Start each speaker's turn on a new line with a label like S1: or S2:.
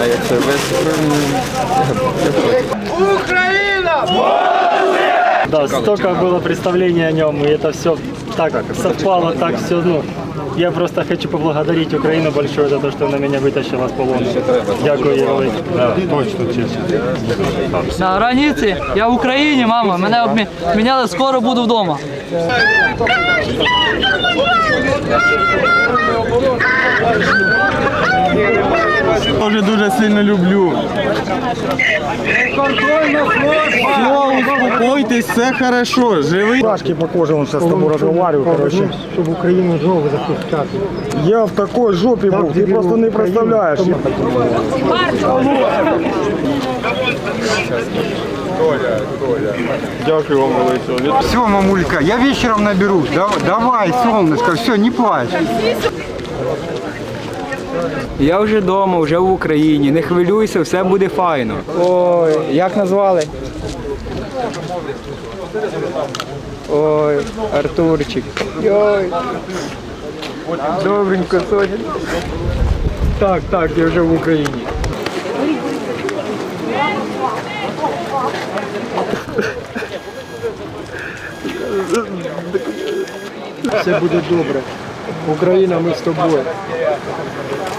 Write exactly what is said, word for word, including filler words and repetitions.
S1: А як це весь
S2: Украина!
S3: Да, столько было представлений о нем, и это все так совпало, так все, ну, я просто хочу поблагодарить Украину большое за то, что она меня вытащила с полона. Дякую, Євгеній.
S4: Да, точно, чесно.
S5: На границі, я в Україні, мама, мене обміняли, скоро буду вдома.
S4: Тоже дуже сильно люблю. Все, успокойтесь, все хорошо, живий.
S3: Пашки по коже, он сейчас с тобой разговариваю, короче. Чтобы Украину жопу запускать.
S4: Я в такой жопі був, ти просто не представляєш. Дякую вам велике.
S6: Все, мамулька, я вечером наберусь. Давай, солнышко, все, не плачь.
S1: Я вже вдома, вже в Україні. Не хвилюйся, все буде файно.
S7: Ой, як назвали? Ой, Артурчик. Ой. Добренько, Соня. Так, так, я вже в Україні.
S3: Все буде добре. Україна, ми з тобою.